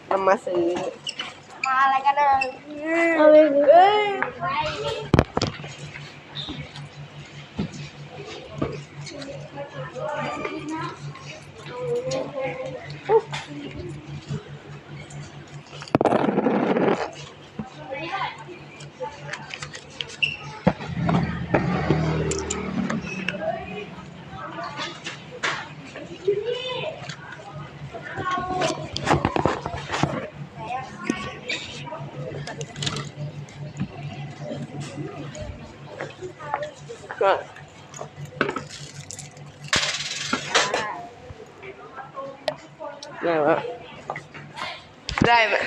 เอามาซื้อมาอะไรกันเนอะเอาไปก็ได้ไหมได้ไหม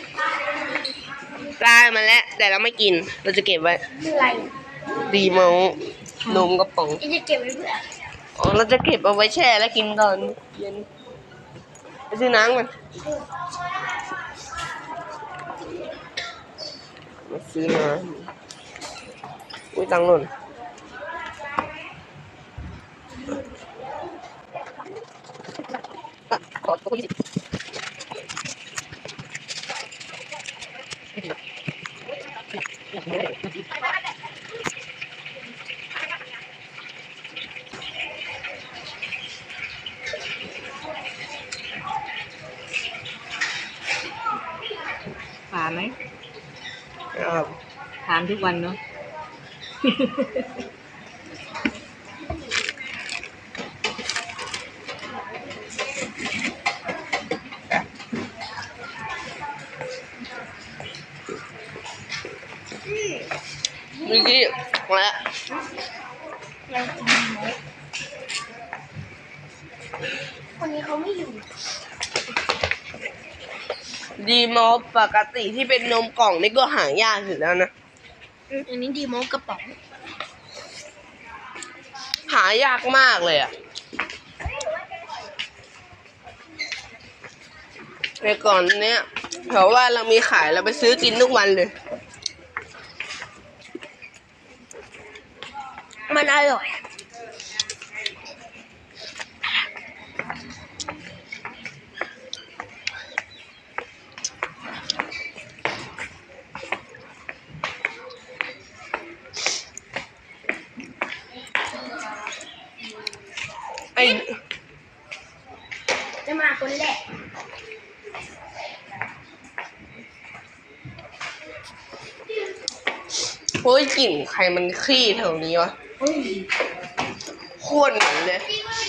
ได้มาแล้วแต่เราไม่กินเราจะเก็บไว้อะไรดีเมานมกระป๋องจะเก็บไว้เพื่ออ๋อเราจะเก็บเอาไว้แช่แล้วกินตอนเย็นไปซื้อน้ำกันมาซื้อน้ำอุ้ยตังค์หล่นขอตัว20 ผ่านไหมครับทานทุกวันเนาะเมื่อกี้มาแล้วคนนี้เขาไม่อยู่ดีมอลปกติที่เป็นนมกล่องนี่ก็หายากอยู่แล้วนะอันนี้ดีโมกระป๋องหายากมากเลยอ่ะแต่ก่อนเนี้ยเพราะว่าเรามีขายเราไปซื้อกินทุกวันเลยมันอร่อยไอ้จะมาคนแรกโอ้ยกลิ่นใครมันขี้แถวนี้วะโคตรเหม็นเลย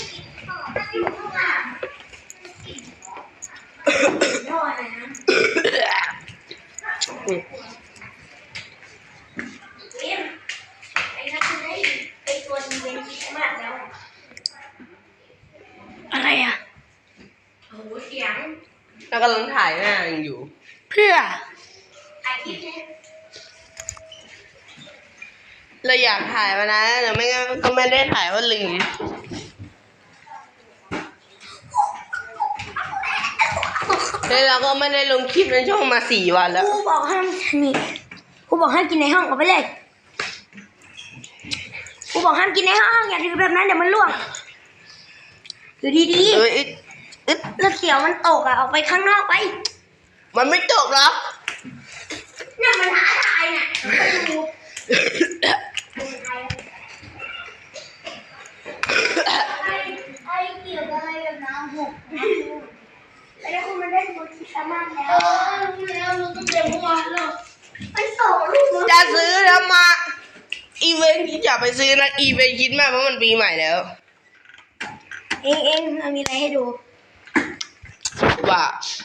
อะไรอ่ะแล้วกำลังถ่ายหน้าอยู่เพื่อเราอยากถ่ายมานะแต่ไม่งั้นก็ไม่ได้ถ่ายเพราะลืมแล้วเราก็ไม่ได้ลงคลิปในช่องมา4 วันแล้วครูบอกห้ามนี่ครูบอกห้ามกินในห้องเอาไปเลยครูบอกห้ามกินในห้องอย่าถือแบบนั้นเดี๋ยวมันล่วงอยู่ดีๆแล้วเสียวมันตกอ่ะออกไปข้างนอกไปมันไม่จบหรอกเนี่ยมันท้าทายเนี่ยไอ้เกี่ยวอะไรกับน้ำหกแล้วคุณมาเล่นบนที่สามารถแล้วรู้แล้วรู้ตั้งแต่เมื่อวานแล้วไปส่งลูกจะซื้อแล้วมาอีเวนต์อย่าไปซื้อนะอีเวนต์คิดมากเพราะมันปีใหม่แล้วเองมีอะไรให้ดูว่า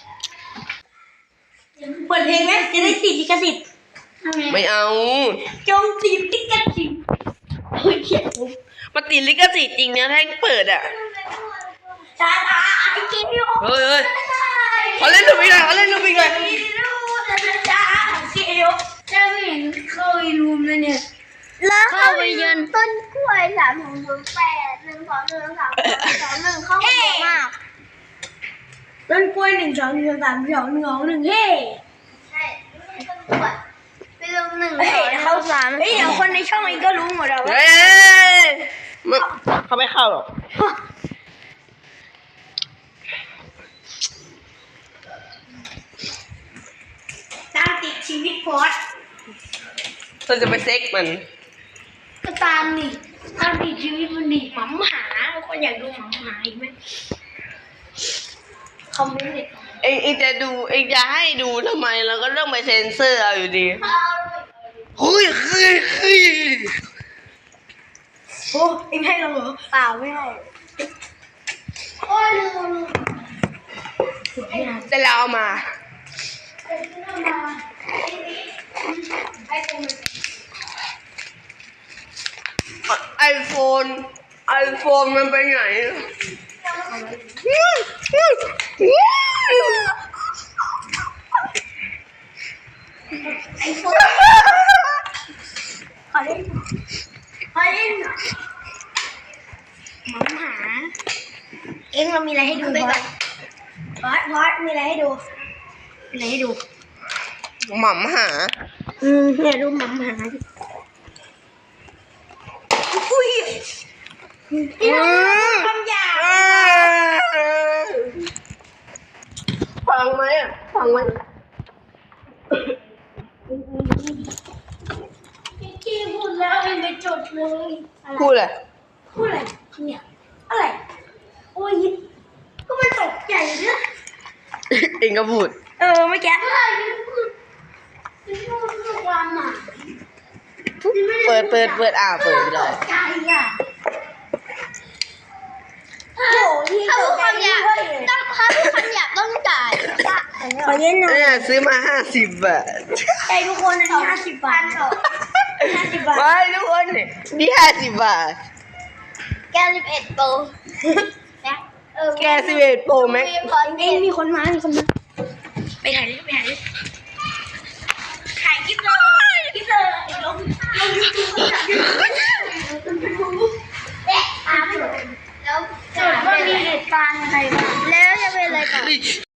เปิดเพลงไหมจะได้ติดลิขสิทธิ์ไม่เอาจงติดลิขสิทธิ์เฮ้ยเขียนมาติดลิขสิทธิ์จริงนะถ้าเปิดอ่ะจ้าไอ้เกี้ยวเฮ้ยเขาเล่นลูกอีกหน่อยเขาเล่นลูกอีกหน่อยจ้าเกี้ยวจะไม่เห็นเข้าไปรูมเลยเนี่ยแล้วเข้าไปยืนต้นกล้วย3 2 0 8 1 2 1 3 2 1เข้าไปเยอะมากต้นกล้วย1 2 1 3 2 1 2 1เฮ้ใช่ต้นกล้วยไปลง1 2เข้า3เฮ้ยเดี๋ยวคนในช่องเองก็รู้หมดแล้วว่าเขาไม่เข้าหรอกชีวิตพอดเราจะไปเซ็กมันก็ตามนี่ตามดีชีวิตมันดีหมาหาคนอยากดูหมาหาอีกไหมคอมเมนต์เลยเองจะดูเองจะให้ดูทำไมเราก็ต้องไปเซ็นเซอร์เอาอยู่ดีเฮ้ยโอ้เอ็งให้เราเหรอเปล่าไม่ให้โอ้ยลืมแต่เราเอามาไอโฟนมันไปไหนไอโฟนขอเล่นหมาหาเอ็งเรามีอะไรให้ดูพอดมีอะไรให้ดูหม่ำหาเนี่ยดูหมาหาดิอุ้ยคำหยาบฟังไหมพี่พูดแล้วเอ็งไปจดเลยพูดเลยเนี่ยอะไรโอ้ยก็มันตกใจเนี่ยเองก็พูดเมื่อกี้พูดความหมายเปิดเปิดไปเลยใจอ่ะโอ้ยถ้าพูดคำหยาบต้องจ่ายขอเย็นหน่อยเนี่ยซื้อมา50 บาทใจทุกคนนะ50 บาท50 บาทไม่ทุกคนนี่50 บาทแก11 โปรแก11 Pro Max มีคนมาไปถ่ายดิถ่ายคลิปเลยลงยูทูบแล้วเกิดว่ามีเหตุการณ์อะไรบ้างแล้วจะเป็นอะไรต่อ